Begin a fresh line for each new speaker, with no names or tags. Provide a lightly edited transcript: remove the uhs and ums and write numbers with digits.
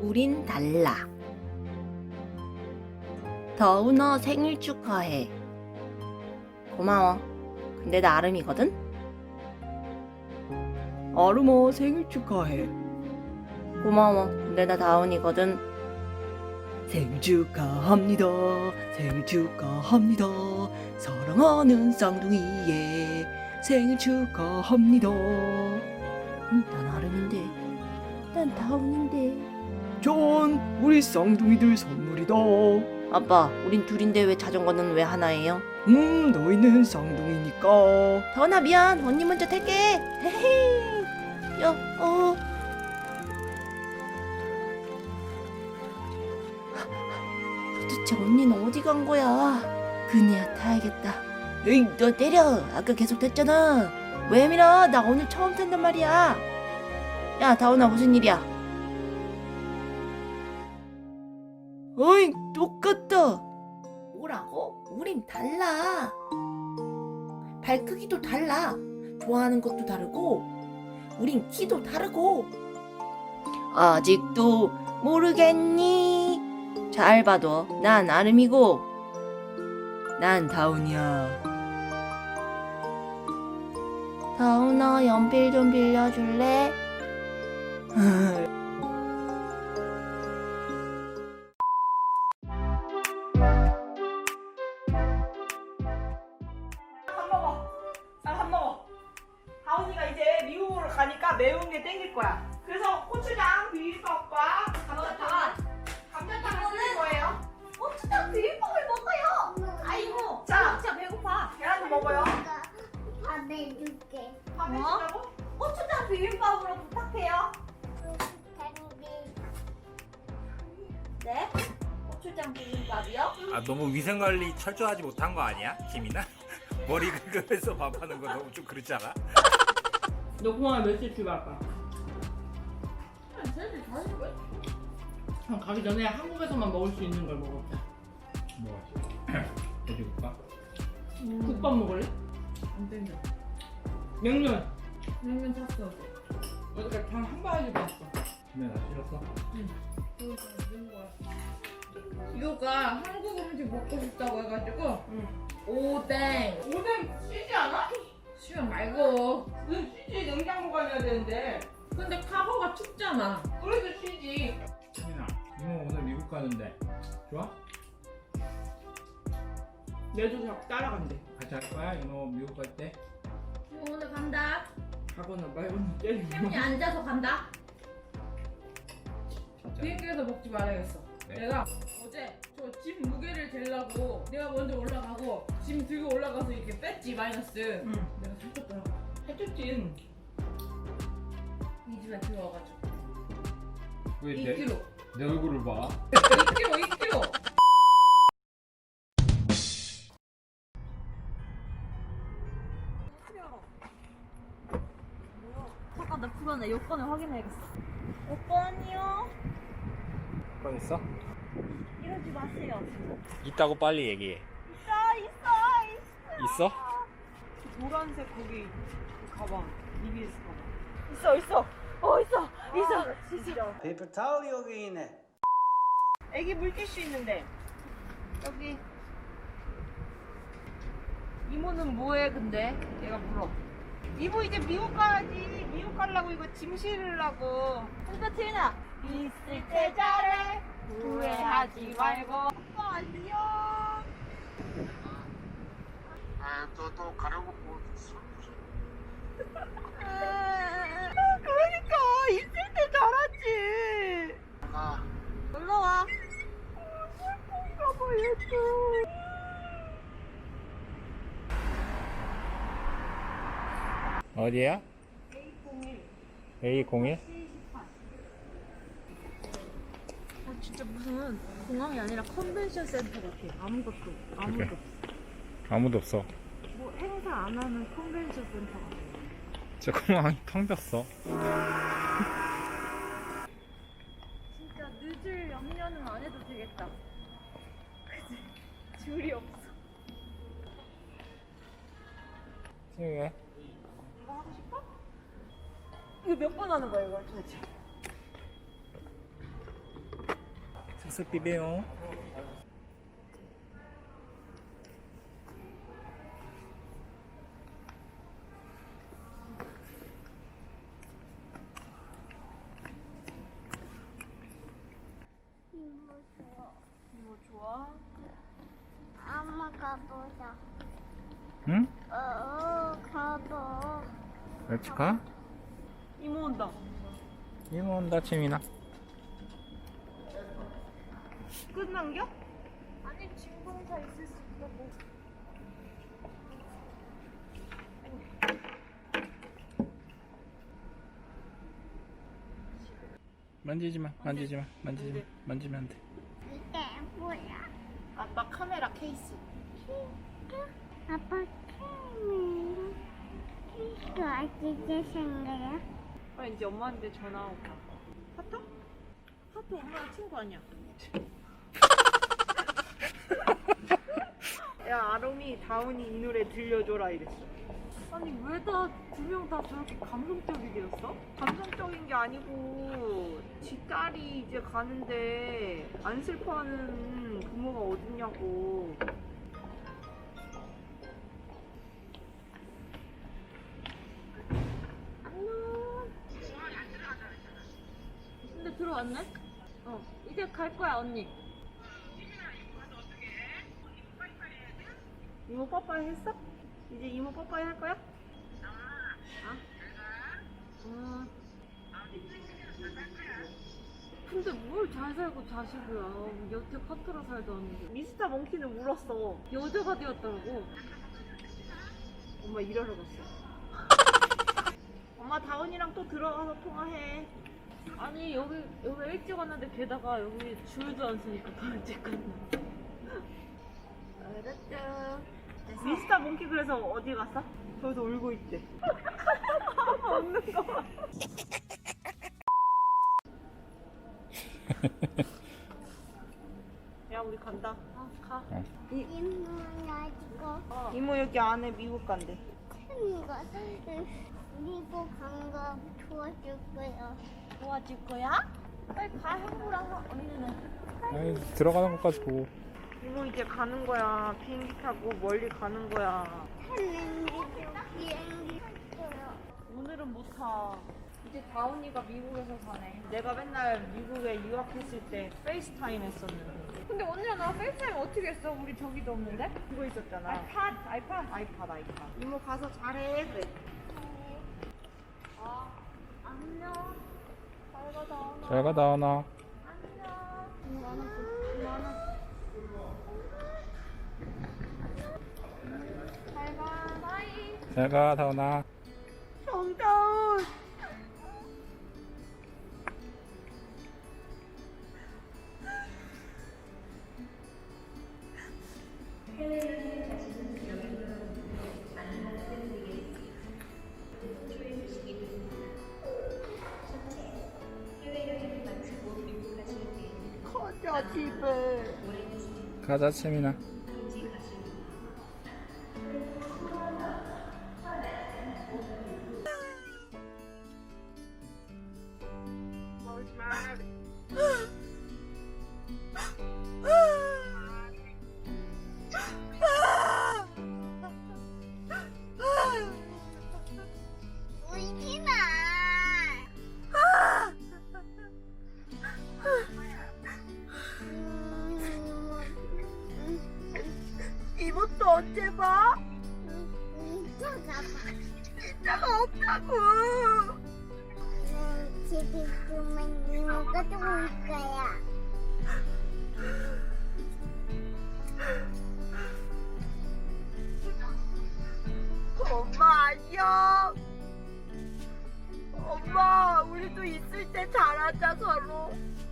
우린 달라. 더운아 생일 축하해. 고마워. 근데 나 아름이거든?
아름아 생일 축하해.
고마워. 근데 나 다운이거든.
생일 축하합니다. 생일 축하합니다. 사랑하는 쌍둥이의 생일 축하합니다.
난 아름인데. 난 다운인데.
전 우리 쌍둥이들 선물이다.
아빠, 우린 둘인데 왜 자전거는 왜 하나예요?
너희는 쌍둥이니까.
다운아 미안. 언니 먼저 탈게. 헤헤. 야, 도대체 언니는 어디 간 거야? 그네야 타야겠다. 에이, 너 때려. 아까 계속 탔잖아. 왜 밀어? 나 오늘 처음 탄단 말이야. 야, 다운아 무슨 일이야? 어이, 똑같다. 뭐라고? 우린 달라. 발 크기도 달라. 좋아하는 것도 다르고, 우린 키도 다르고. 아직도 모르겠니? 잘 봐도 난 아름이고,
난 다운이야.
다운아 연필 좀 빌려줄래?
밥 먹어. 다운이가 이제 미국으로 가니까 매운 게 땡길 거야. 그래서 고추장 비빔밥과 감자탕을 끓일 거예요.
고추장 비빔밥을 먹어요. 아이고,
자,
진짜 배고파.
계란도 먹어요.
밥 해줄게.
밥
뭐?
해주라고?
고추장 비빔밥으로 부탁해요. 네? 고추장 비빔밥이요?
아 너무 위생관리 철저하지 못한 거 아니야? 김이나? 머리 긁으면서 밥하는 거 너무 좀 그렇지 않아?
너 공항에 며칠 출발할까? 가기 전에 한국에서만 먹을 수 있는 걸 먹었자.
뭐 돼지국밥?
국밥 먹을래? 안 땡겨. 냉면 샀어. 어저께 단한 바가지 봤어.
김에 나 싫었어?
이거가 한국 음식 먹고 싶다고 해가지고 오뎅
쉬지 않아?
수면 말고
쉬지. 냉장고 가야 되는데.
근데 카고가 춥잖아.
그래도 쉬지.
김이나 이모 오늘 미국 가는데 좋아?
내도 자꾸 따라간대.
같이 할 거야? 이모 미국 갈 때?
오늘 간다.
가거나 말거나 때리고.
태훈이 앉아서 간다.
진짜?
비행기에서 먹지 말아야겠어.
네.
내가 어제 저 짐 무게를 재려고 내가 먼저 올라가고 짐 들고 올라가서 이렇게 뺐지 마이너스.
응.
내가 살쪘더라고.
해줬지.
이 집에 들어와가지고
왜
2kg.
내 얼굴을 봐?
2kg.
잠깐 나 불안해. 여권을 확인해야겠어. 여권이요?
번 있어?
이러지 마세요.
있다고 빨리 얘기해.
있어.
있어?
노란색 거기 그 가방. EBS 가방.
있어. 있어. 있어.
페이퍼 타올이 여기 있네.
애기 물티슈 있는데.
여기. 이모는 뭐해 근데? 얘가 물어.
이모 이제 미국 가야지. 미국 가려고 이거 짐 실으려고.
근데 티나 있을 때 잘해. 후회하지 말고.
아빠 안녕.
또 가려고 뭐.
그러니까 있을 때 잘하지.
아,
놀러 와.
슬픈가 봐 얘도.
어디야? A01?
진짜 무슨 공항이 아니라 컨벤션 센터 같아. 아무것도.
그래. 아무도 없어.
뭐 행사 안 하는 컨벤션 센터 같아.
저 공항이 텅 졌어.
진짜 늦을 염려는 안 해도 되겠다. 그치? 줄이 없어.
왜?
이거 하고 싶어? 이거 몇 번 하는 거야 이거 도대체?
쓱 비벼요.
이모 좋아?
엄마 가보자.
응?
가보.
같이 가?
이모 온다.
이모 온다, 치민아.
끝난겨? 아니 진공사 있을 수 있다고.
만지지 마, 만지지 마, 만지지 마, 만지면 안 돼.
이게 뭐야?
아빠 카메라 케이스.
아빠 캠이 이거 어떻게 생겨요?
빨리 이제 엄마한테 전화 오고. 하트? 하트 엄마랑 친구 아니야?
야 아롬이 다운이 이 노래 들려줘라 이랬어.
아니 왜 다 두 명 다 저렇게 감성적이 되었어?
감성적인 게 아니고 지 딸이 이제 가는데 안 슬퍼하는 부모가 어딨냐고.
근데 들어왔네? 이제 갈 거야 언니.
이모 빠빠이 했어? 이제 이모 빠빠이 할 거야?
근데 뭘 잘 살고 자식이야. 여태 카트라 살도 않는데.
미스터 몽키는 울었어.
여자가 되었다고.
엄마 일하러 갔어. 엄마 다운이랑 또 들어가서 통화해.
아니 여기 일찍 왔는데 게다가 여기 줄도 안 서니까 더 일찍 갔네. 알았죠.
미스터 몽키 그래서 어디 갔어? 저기서 울고 있대. 웃는 거 봐. 야 우리 간다.
가.
이모야 이거
이모 여기 안에 미국 간대.
이거 미국 간거 도와줄 거야.
도와줄 거야? 빨리 가 형부랑 언니는.
아이, 들어가는 것까지 보고.
이모 이제 가는 거야. 비행기 타고 멀리 가는 거야.
하는 비행기 탔어요.
오늘은 못 타. 이제 다운이가 미국에서 사네.
내가 맨날 미국에 유학했을 때 페이스타임 했었는데
근데 언니랑 나랑 페이스타임 어떻게 했어? 우리 저기도 없는데?
그거 있었잖아. 아이팟. 이모 가서 잘해 그래.
안녕. 잘 가, 다운아.
잘 가, 다운아.
잘 가. 바이.
잘 가, 다운아.
정다운. 가자 집에.
가자, 치민아.
울지 마.
이모 또 언제 봐?
이따가 봐.
이따가 없다고.
집에 있으면 이모가 또 올 거야.
엄마 안녕. 엄마 우리도 있을 때 잘하자 서로.